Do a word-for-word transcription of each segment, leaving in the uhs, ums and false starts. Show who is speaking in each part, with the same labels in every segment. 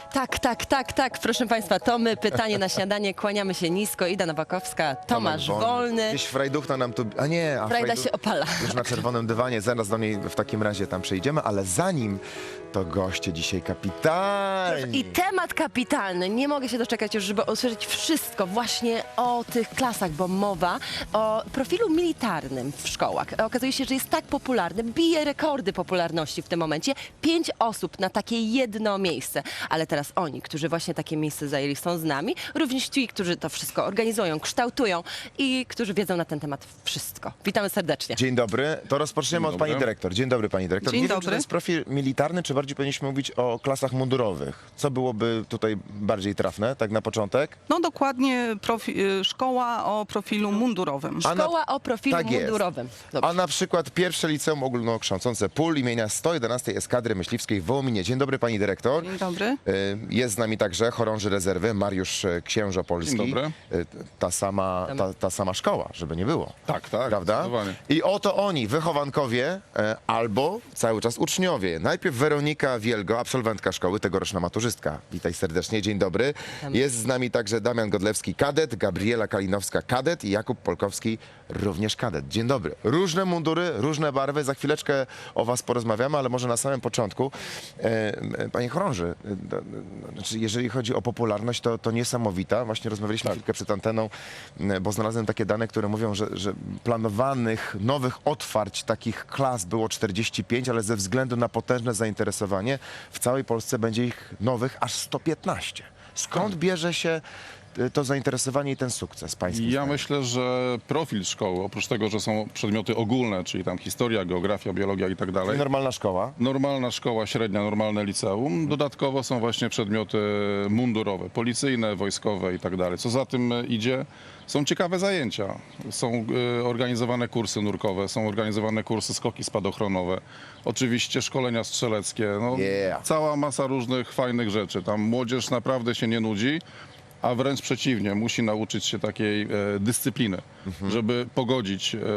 Speaker 1: Tak, tak, tak, tak, proszę Państwa, to my, pytanie na śniadanie, kłaniamy się nisko, Ida Nowakowska, Tomasz Wolny.
Speaker 2: Gdzieś Frajduchna nam tu... A nie, a
Speaker 1: Frajda
Speaker 2: Frajdu-
Speaker 1: się opala.
Speaker 2: Już na czerwonym dywanie, zaraz do niej w takim razie tam przejdziemy, ale zanim to goście dzisiaj kapitalni.
Speaker 1: I temat kapitalny, nie mogę się doczekać już, żeby usłyszeć wszystko właśnie o tych klasach, bo mowa o profilu militarnym w szkołach. Okazuje się, że jest tak popularny, bije rekordy popularności w tym momencie. Pięć osób na takie jedno miejsce. Ale teraz oni, którzy właśnie takie miejsce zajęli, są z nami. Również ci, którzy to wszystko organizują, kształtują i którzy wiedzą na ten temat wszystko. Witamy serdecznie.
Speaker 2: Dzień dobry, to rozpoczniemy
Speaker 3: Dzień
Speaker 2: od pani
Speaker 3: dobry.
Speaker 2: dyrektor. Dzień dobry pani dyrektor.
Speaker 4: Dzień
Speaker 2: Nie wiem, czy
Speaker 4: dobry.
Speaker 2: to jest profil militarny, czy bardziej powinniśmy mówić o klasach mundurowych. Co byłoby tutaj bardziej trafne, tak na początek?
Speaker 4: No dokładnie profi- szkoła o profilu mundurowym.
Speaker 2: A na-
Speaker 1: Szkoła o profilu
Speaker 2: tak jest.
Speaker 1: mundurowym. Dobrze.
Speaker 2: A na przykład pierwsze liceum ogólnokształcące P U L imienia sto jedenastej Eskadry Myśliwskiej w Wołominie. Dzień dobry pani dyrektor.
Speaker 4: Dzień dobry.
Speaker 2: Y, Jest z nami także chorąży rezerwy Mariusz e, Księżopolski.
Speaker 3: Dzień dobry.
Speaker 2: Y, Ta sama, ta, ta sama szkoła, żeby nie było.
Speaker 3: Tak, tak,
Speaker 2: Prawda?
Speaker 3: zdecydowanie.
Speaker 2: I oto oni, wychowankowie e, albo cały czas uczniowie. Najpierw Weronika Wielgo, absolwentka szkoły, tegoroczna maturzystka. Witaj serdecznie, dzień dobry. Jest z nami także Damian Godlewski, kadet, Gabriela Kalinowska, kadet i Jakub Polkowski, również kadet. Dzień dobry. Różne mundury, różne barwy. Za chwileczkę o was porozmawiamy, ale może na samym początku. E, e, Panie chorąży, e, d- d- znaczy jeżeli chodzi o popularność, to, to niesamowita. Właśnie rozmawialiśmy chwilkę przed anteną, m, bo znalazłem takie dane, które mówią, że, że planowanych nowych otwarć takich klas było czterdzieści pięć, ale ze względu na potężne zainteresowanie w całej Polsce będzie ich nowych aż sto piętnaście. Skąd bierze się y, to zainteresowanie i ten sukces pański?
Speaker 3: Ja
Speaker 2: zdaniem?
Speaker 3: myślę, że profil szkoły, oprócz tego, że są przedmioty ogólne, czyli tam historia, geografia, biologia i tak dalej,
Speaker 2: Czyli normalna szkoła.
Speaker 3: normalna szkoła średnia, normalne liceum, dodatkowo są właśnie przedmioty mundurowe, policyjne, wojskowe i tak dalej. Co za tym idzie, są ciekawe zajęcia. Są y, organizowane kursy nurkowe, są organizowane kursy skoki spadochronowe, oczywiście szkolenia strzeleckie, no,
Speaker 2: Yeah.
Speaker 3: cała masa różnych fajnych rzeczy. Tam młodzież naprawdę się nie nudzi, a wręcz przeciwnie, musi nauczyć się takiej e, dyscypliny, żeby pogodzić e,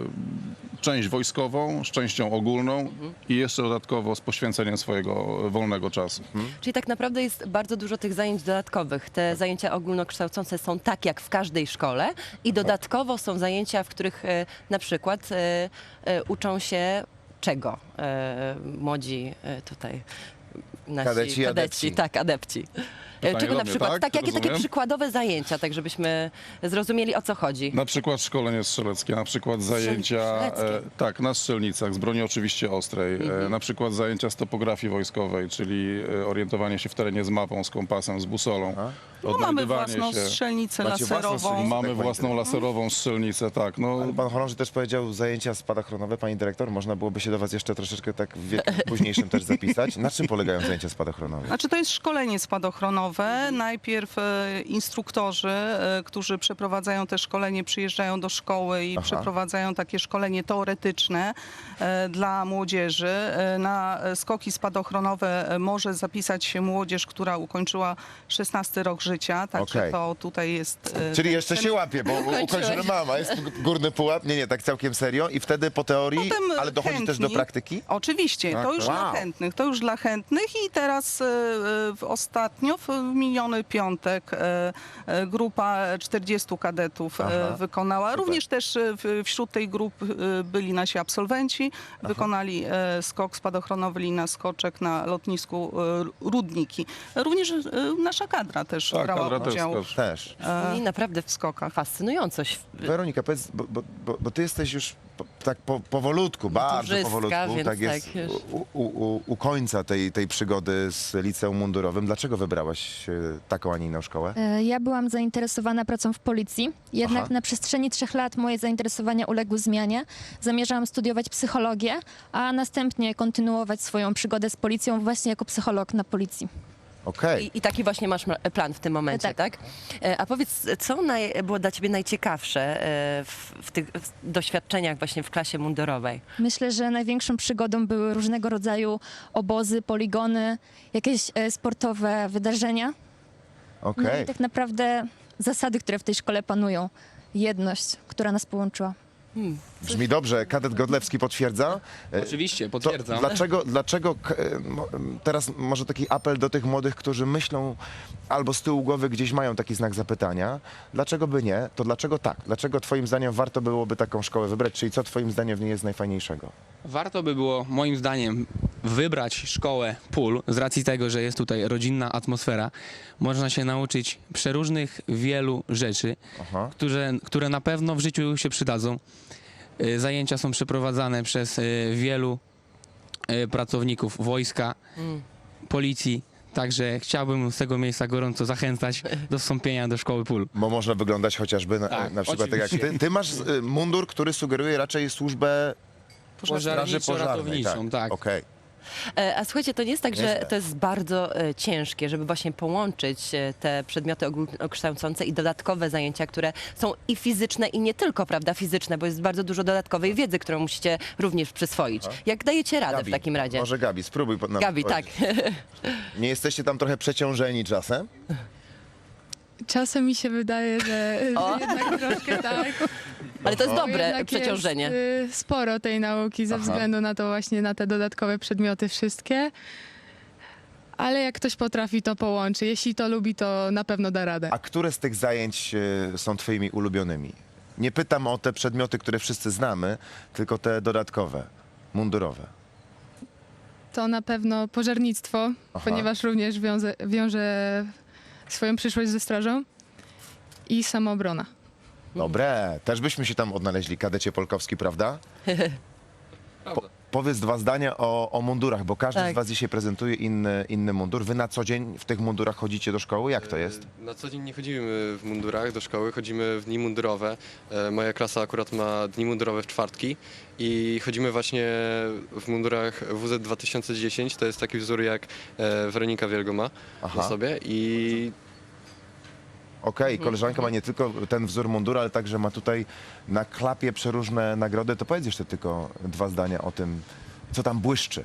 Speaker 3: część wojskową z częścią ogólną i jeszcze dodatkowo z poświęceniem swojego wolnego czasu.
Speaker 1: Czyli tak naprawdę jest bardzo dużo tych zajęć dodatkowych. Te zajęcia ogólnokształcące są tak jak w każdej szkole i dodatkowo są zajęcia, w których e, na przykład e, e, uczą się czego e, młodzi e, tutaj nasi
Speaker 2: Kadeci i adepci.
Speaker 1: tak, adepci. E,
Speaker 3: Pytanie
Speaker 1: Czego
Speaker 3: do
Speaker 1: na
Speaker 3: mnie,
Speaker 1: przykład,
Speaker 3: tak?
Speaker 1: tak, jakie takie
Speaker 3: Rozumiem.
Speaker 1: przykładowe zajęcia, tak żebyśmy zrozumieli o co chodzi.
Speaker 3: Na przykład szkolenie strzeleckie, na przykład zajęcia
Speaker 1: strzeleckie.
Speaker 3: e, tak, na strzelnicach, z broni oczywiście ostrej, e, na przykład zajęcia z topografii wojskowej, czyli e, orientowanie się w terenie z mapą, z kompasem, z busolą.
Speaker 4: No, mamy
Speaker 3: odnajdywanie
Speaker 4: własną
Speaker 3: się.
Speaker 4: strzelnicę
Speaker 2: Macie własną
Speaker 4: laserową.
Speaker 2: strzelnicę?
Speaker 3: Mamy
Speaker 2: Tak,
Speaker 3: własną
Speaker 2: pani-
Speaker 3: laserową strzelnicę, tak. No,
Speaker 2: Ale pan chorąży też powiedział zajęcia spadochronowe, pani dyrektor. Można byłoby się do was jeszcze troszeczkę tak w wieku późniejszym też zapisać. Na czym polegają zajęcia spadochronowe?
Speaker 4: Znaczy to jest szkolenie spadochronowe. Najpierw e, instruktorzy, e, którzy przeprowadzają te szkolenie, przyjeżdżają do szkoły i
Speaker 2: Aha.
Speaker 4: przeprowadzają takie szkolenie teoretyczne e, dla młodzieży. E, na skoki spadochronowe e, może zapisać się młodzież, która ukończyła szesnasty rok życia. Także
Speaker 2: Okej.
Speaker 4: to tutaj jest... e,
Speaker 2: Czyli
Speaker 4: ten-
Speaker 2: jeszcze się łapie, bo ukończymy mama. Jest górny pułap. Nie, nie, tak całkiem serio. I wtedy po teorii,
Speaker 4: Potem
Speaker 2: ale dochodzi też do
Speaker 4: chętni.
Speaker 2: praktyki?
Speaker 4: Oczywiście,
Speaker 3: Tak,
Speaker 4: to już
Speaker 2: tak.
Speaker 4: dla
Speaker 2: Wow.
Speaker 4: chętnych, to już dla chętnych i teraz e, e, w ostatnio, w miniony piątek e, e, grupa czterdziestu kadetów e,
Speaker 2: Aha,
Speaker 4: wykonała.
Speaker 2: super.
Speaker 4: Również też e, w, wśród tej grupy e, byli nasi absolwenci, wykonali e, skok spadochronowy lina skoczek na lotnisku e, Rudniki. Również e, nasza kadra też
Speaker 3: tak,
Speaker 4: brała
Speaker 3: kadra też
Speaker 4: udział
Speaker 3: skoczy.
Speaker 2: Też.
Speaker 1: I naprawdę
Speaker 4: w skokach.
Speaker 1: fascynująco. ś-
Speaker 2: Weronika, powiedz, bo, bo, bo, bo ty jesteś już po, tak po, powolutku, bardzo
Speaker 1: Maturzystka,
Speaker 2: powolutku,
Speaker 1: więc
Speaker 2: tak jest
Speaker 1: tak, już.
Speaker 2: u, u, u, u końca tej, tej przygody z liceum mundurowym. Dlaczego wybrałaś e, taką, a nie inną szkołę?
Speaker 5: E, Ja byłam zainteresowana pracą w policji, jednak
Speaker 2: Aha.
Speaker 5: na przestrzeni trzech lat moje zainteresowania uległy zmianie. Zamierzałam studiować psychologię, a następnie kontynuować swoją przygodę z policją właśnie jako psycholog na policji.
Speaker 2: Okej.
Speaker 1: I, I taki właśnie masz ma- plan w tym momencie, tak?
Speaker 5: Tak.
Speaker 1: E, A powiedz, co naj, było dla ciebie najciekawsze e, w, w tych w doświadczeniach właśnie w klasie mundurowej?
Speaker 5: Myślę, że największą przygodą były różnego rodzaju obozy, poligony, jakieś e, sportowe wydarzenia. No
Speaker 2: Okej.
Speaker 5: i tak naprawdę zasady, które w tej szkole panują. Jedność, która nas połączyła.
Speaker 2: Brzmi dobrze. Kadet Godlewski potwierdza? E,
Speaker 6: Oczywiście,
Speaker 2: To
Speaker 6: potwierdzam.
Speaker 2: dlaczego, dlaczego k- e, mo- teraz może taki apel do tych młodych, którzy myślą albo z tyłu głowy gdzieś mają taki znak zapytania, dlaczego by nie, to dlaczego tak? Dlaczego twoim zdaniem warto byłoby taką szkołę wybrać? Czyli co twoim zdaniem w niej jest najfajniejszego?
Speaker 6: Warto by było, moim zdaniem, wybrać szkołę P U L z racji tego, że jest tutaj rodzinna atmosfera. Można się nauczyć przeróżnych wielu rzeczy,
Speaker 2: Aha.
Speaker 6: które, które na pewno w życiu się przydadzą. Y, Zajęcia są przeprowadzane przez y, wielu y, pracowników wojska, policji. Także chciałbym z tego miejsca gorąco zachęcać do wstąpienia do szkoły P U L.
Speaker 2: Bo można wyglądać chociażby na,
Speaker 6: Tak,
Speaker 2: na przykład tak jak
Speaker 6: oczywiście.
Speaker 2: ty. Ty masz y, mundur, który sugeruje raczej służbę straży pożarnej.
Speaker 6: Pożarniczo-ratowniczą, tak.
Speaker 2: Okej.
Speaker 1: E, A słuchajcie, to nie jest tak, że
Speaker 2: Nieźle.
Speaker 1: to jest bardzo e, ciężkie, żeby właśnie połączyć e, te przedmioty ogólnokształcące i dodatkowe zajęcia, które są i fizyczne, i nie tylko, prawda, fizyczne, bo jest bardzo dużo dodatkowej wiedzy, którą musicie również przyswoić. Jak dajecie radę
Speaker 2: Gabi,
Speaker 1: w takim razie?
Speaker 2: Może Gabi, spróbuj po- nam
Speaker 1: Gabi, tak.
Speaker 2: powiedzieć. Nie jesteście tam trochę przeciążeni czasem?
Speaker 7: Czasem mi się wydaje, że
Speaker 1: O.
Speaker 7: jednak troszkę tak.
Speaker 1: Ale to jest
Speaker 7: Bo
Speaker 1: dobre
Speaker 7: jednak
Speaker 1: przeciążenie.
Speaker 7: Jest, y, sporo tej nauki ze
Speaker 2: Aha.
Speaker 7: względu na to właśnie, na te dodatkowe przedmioty wszystkie. Ale jak ktoś potrafi, to połączy. Jeśli to lubi, to na pewno da radę.
Speaker 2: A które z tych zajęć y, są twoimi ulubionymi? Nie pytam o te przedmioty, które wszyscy znamy, tylko te dodatkowe, mundurowe.
Speaker 7: To na pewno pożarnictwo,
Speaker 2: Aha.
Speaker 7: ponieważ również wiąże, wiąże swoją przyszłość ze strażą. I samoobrona.
Speaker 2: Dobre, też byśmy się tam odnaleźli, kadecie Polkowski, prawda? Po, powiedz dwa zdania o, o mundurach, bo każdy
Speaker 1: Tak.
Speaker 2: z was dzisiaj prezentuje inny, inny mundur. Wy na co dzień w tych mundurach chodzicie do szkoły? Jak to jest?
Speaker 8: Na co dzień nie chodzimy w mundurach do szkoły, chodzimy w dni mundurowe. E, Moja klasa akurat ma dni mundurowe w czwartki i chodzimy właśnie w mundurach W Z dwa tysiące dziesięć. To jest taki wzór jak e, Weronika Wielgo ma
Speaker 2: Aha.
Speaker 8: na sobie i
Speaker 2: Okej, koleżanka ma nie tylko ten wzór mundura, ale także ma tutaj na klapie przeróżne nagrody. To powiedz jeszcze tylko dwa zdania o tym, co tam błyszczy.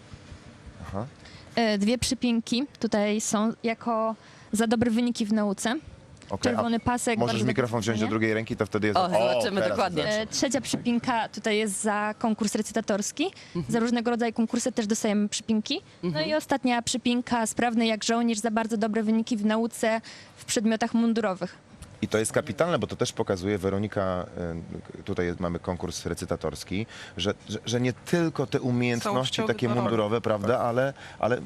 Speaker 2: Aha.
Speaker 5: E, Dwie przypinki tutaj są jako za dobre wyniki w nauce.
Speaker 2: Okej, a
Speaker 5: Czerwony pasek.
Speaker 2: możesz
Speaker 5: bardzo dobre
Speaker 2: mikrofon wziąć do
Speaker 5: ocenienie.
Speaker 2: drugiej ręki, to wtedy jest...
Speaker 1: O, zobaczymy
Speaker 2: teraz
Speaker 1: dokładnie.
Speaker 2: jest lepsze.
Speaker 5: E, Trzecia przypinka tutaj jest za konkurs recytatorski. Za różnego rodzaju konkursy też dostajemy przypinki. No i ostatnia przypinka, sprawny jak żołnierz, za bardzo dobre wyniki w nauce w przedmiotach mundurowych.
Speaker 2: I to jest kapitalne, bo to też pokazuje, Weronika, y, tutaj jest, mamy konkurs recytatorski, że, że, że nie tylko te umiejętności
Speaker 4: Całościowy
Speaker 2: takie
Speaker 4: dorobek.
Speaker 2: mundurowe, prawda, ale, ale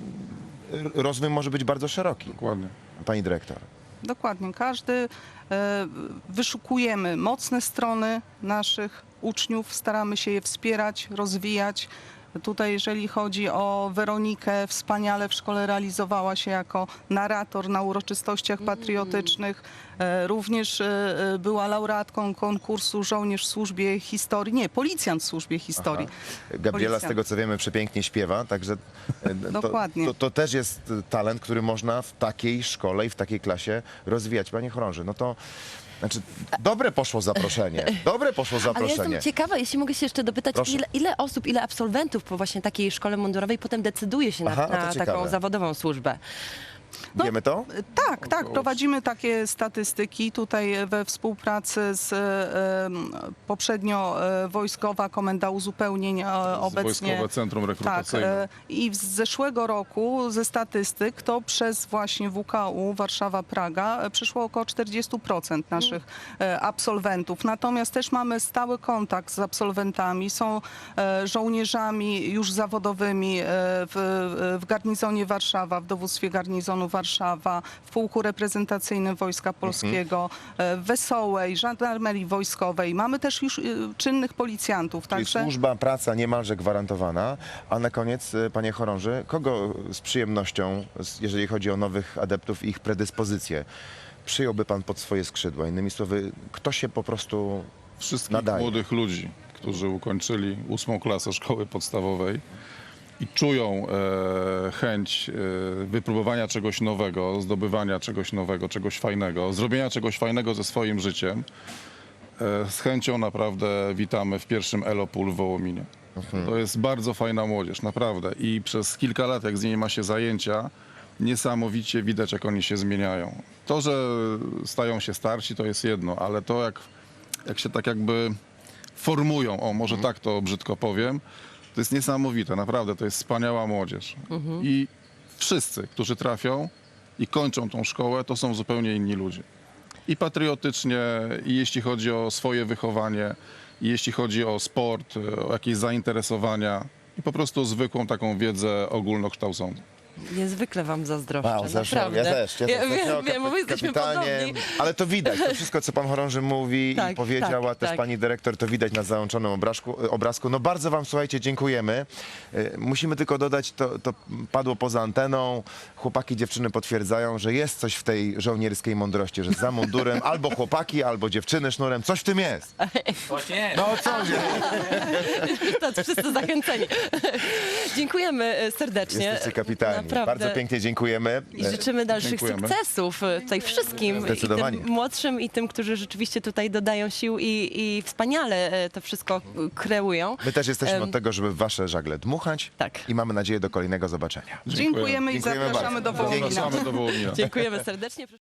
Speaker 2: rozwój może być bardzo szeroki.
Speaker 3: Dokładnie.
Speaker 2: Pani dyrektor.
Speaker 4: Dokładnie. Każdy e, wyszukujemy mocne strony naszych uczniów, staramy się je wspierać, rozwijać. Tutaj, jeżeli chodzi o Weronikę, wspaniale w szkole realizowała się jako narrator na uroczystościach patriotycznych. E, Również e, e, była laureatką konkursu Żołnierz w służbie historii, nie, policjant w służbie historii.
Speaker 2: Gabriela, z
Speaker 4: Policjant.
Speaker 2: tego co wiemy, przepięknie śpiewa, także y, to,
Speaker 4: Dokładnie.
Speaker 2: to, to też jest y, talent, który można w takiej szkole i w takiej klasie rozwijać. Panie chorąży, no to znaczy, dobre poszło zaproszenie, dobre poszło
Speaker 1: Ale ja
Speaker 2: zaproszenie.
Speaker 1: jestem ciekawa, jeśli mogę się jeszcze dopytać,
Speaker 2: Proszę.
Speaker 1: ile, ile osób, ile absolwentów po właśnie takiej szkole mundurowej potem decyduje się na,
Speaker 2: Aha, a to
Speaker 1: na
Speaker 2: ciekawe.
Speaker 1: taką zawodową służbę?
Speaker 4: No,
Speaker 2: Wiemy to?
Speaker 4: Tak, tak, prowadzimy takie statystyki tutaj we współpracy z e, em, poprzednio e, Wojskowa Komenda Uzupełnień e, obecnie.
Speaker 3: Wojskowe Centrum
Speaker 4: Tak,
Speaker 3: Rekrutacyjne.
Speaker 4: e, i z zeszłego roku ze statystyk to przez właśnie W K U Warszawa-Praga e, przyszło około czterdzieści procent naszych e, absolwentów. Natomiast też mamy stały kontakt z absolwentami, są e, żołnierzami już zawodowymi e, w, w garnizonie Warszawa, w dowództwie garnizonu Warszawa, w pułku reprezentacyjnym Wojska Polskiego, e, w Wesołej, Żandarmerii Wojskowej. Mamy też już e, czynnych policjantów.
Speaker 2: Czyli
Speaker 4: Także
Speaker 2: służba, praca niemalże gwarantowana. A na koniec, y, panie chorąży, kogo z przyjemnością, z- jeżeli chodzi o nowych adeptów i ich predyspozycje, przyjąłby pan pod swoje skrzydła? Innymi słowy, kto się po prostu
Speaker 3: Wszystkich
Speaker 2: nadaje?
Speaker 3: młodych ludzi, którzy ukończyli ósmą klasę szkoły podstawowej i czują e, chęć e, wypróbowania czegoś nowego, zdobywania czegoś nowego, czegoś fajnego, zrobienia czegoś fajnego ze swoim życiem, e, z chęcią naprawdę witamy w pierwszym Elo P U L w Wołominie. To jest bardzo fajna młodzież, naprawdę. I przez kilka lat, jak z niej ma się zajęcia, niesamowicie widać, jak oni się zmieniają. To, że stają się starsi, to jest jedno, ale to, jak, jak się tak jakby formują, o może tak to brzydko powiem. To jest niesamowite, naprawdę, to jest wspaniała młodzież. I wszyscy, którzy trafią i kończą tą szkołę, to są zupełnie inni ludzie. I patriotycznie, i jeśli chodzi o swoje wychowanie, i jeśli chodzi o sport, o jakieś zainteresowania i po prostu zwykłą taką wiedzę ogólnokształcącą.
Speaker 1: Niezwykle wam zazdroszczę,
Speaker 2: Wow, zeszło.
Speaker 1: naprawdę.
Speaker 2: Ja też. Ja,
Speaker 1: Ja
Speaker 2: też
Speaker 1: wiem,
Speaker 2: takiego
Speaker 1: wiem, bo my jesteśmy
Speaker 2: kapitanie,
Speaker 1: podobni.
Speaker 2: ale to widać, to wszystko, co pan chorąży mówi
Speaker 1: Tak,
Speaker 2: i powiedziała
Speaker 1: tak,
Speaker 2: też
Speaker 1: tak.
Speaker 2: pani dyrektor, to widać na załączonym obrazku. obrazku. No bardzo wam, słuchajcie, dziękujemy. Y, Musimy tylko dodać, to, to padło poza anteną, chłopaki, dziewczyny potwierdzają, że jest coś w tej żołnierskiej mądrości, że za mundurem albo chłopaki, albo dziewczyny sznurem, coś w tym jest. No co nie?
Speaker 1: To wszyscy zachęceni. Dziękujemy e, serdecznie.
Speaker 2: Jesteście kapitani.
Speaker 1: Naprawdę.
Speaker 2: Bardzo pięknie dziękujemy.
Speaker 1: I życzymy dalszych
Speaker 3: Dziękujemy.
Speaker 1: sukcesów e, tutaj wszystkim, i
Speaker 2: Zdecydowanie.
Speaker 1: tym młodszym, i tym, którzy rzeczywiście tutaj dodają sił i, i wspaniale e, to wszystko e, kreują.
Speaker 2: My też jesteśmy
Speaker 1: Em,
Speaker 2: od tego, żeby w wasze żagle dmuchać.
Speaker 1: Tak.
Speaker 2: I mamy nadzieję do kolejnego zobaczenia.
Speaker 4: Dziękujemy i
Speaker 2: Dziękujemy
Speaker 4: zapraszamy
Speaker 2: bardzo.
Speaker 4: do Wołomina.
Speaker 3: Zapraszamy do Wołomina.
Speaker 1: Dziękujemy serdecznie.